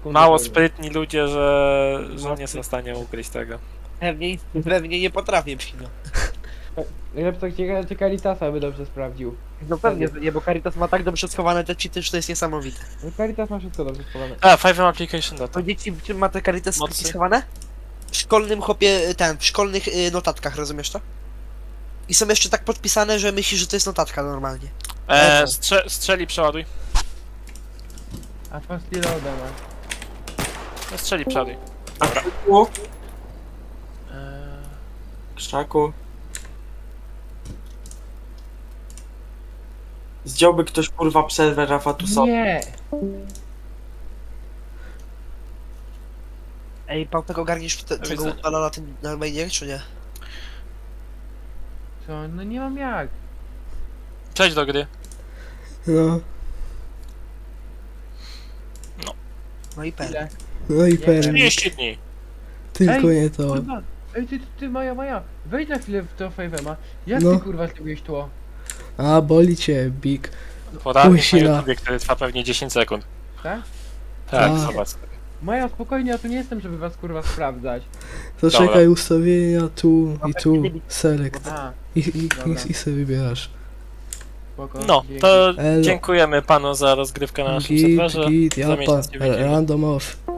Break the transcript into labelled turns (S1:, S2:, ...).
S1: mało sprytni ludzie, że nie są w stanie ukryć tego.
S2: Pewnie nie potrafię przyjść.
S3: Lepco cię Caritasa by dobrze sprawdził.
S2: No pewnie, że nie, bo Caritas ma tak dobrze schowane te cheaty, że to jest niesamowite.
S3: No Caritas ma wszystko dobrze schowane.
S1: A, 5M Application Data.
S2: Powiedzieć ci, czym ma te Caritas
S1: Mocy.
S2: schowane? W szkolnym chłopie, w szkolnych notatkach, rozumiesz to? I są jeszcze tak podpisane, że myślisz, że to jest notatka normalnie.
S1: Strzeli, przeładuj.
S3: A fast reloada ma.
S1: No, strzeli, przeładuj.
S4: Dobra. Krzaku. Zdjąłby ktoś kurwa serwer Rafatusa.
S3: Nie!
S2: Ej, Pałpek, ogarniesz tego
S1: widzenia.
S2: utwala na tym na mainie, czy nie?
S3: Co? No nie mam jak.
S1: Przejdź do gry.
S5: No,
S2: No i per.
S3: Ile?
S5: no i
S3: Nie,
S5: pewnie.
S1: 30 dni.
S5: Tylko
S3: Ej,
S5: nie to.
S3: Kurwa! Ej, ty Maja, wejdź na chwilę w to Fave'ema. Jak
S5: No.
S3: ty kurwa zrobiłeś tło?
S5: A, boli cię, Big.
S1: Poradnik na
S5: Łysina.
S1: YouTubie, który trwa pewnie 10 sekund.
S3: Tak?
S1: Tak,
S5: Tak.
S1: zobacz.
S3: Maja, spokojnie, ja tu nie jestem, żeby was kurwa sprawdzać.
S5: To
S1: Dobra.
S5: czekaj, ustawienia tu i tu, select.
S3: A,
S5: I sobie wybierasz.
S3: spoko.
S1: No,
S3: dzięki.
S1: to
S5: Elo.
S1: dziękujemy panu za rozgrywkę na naszym
S5: Git,
S1: serwerze.
S5: git,
S1: Za
S5: ja
S1: miesiąc się widzimy.
S5: random off.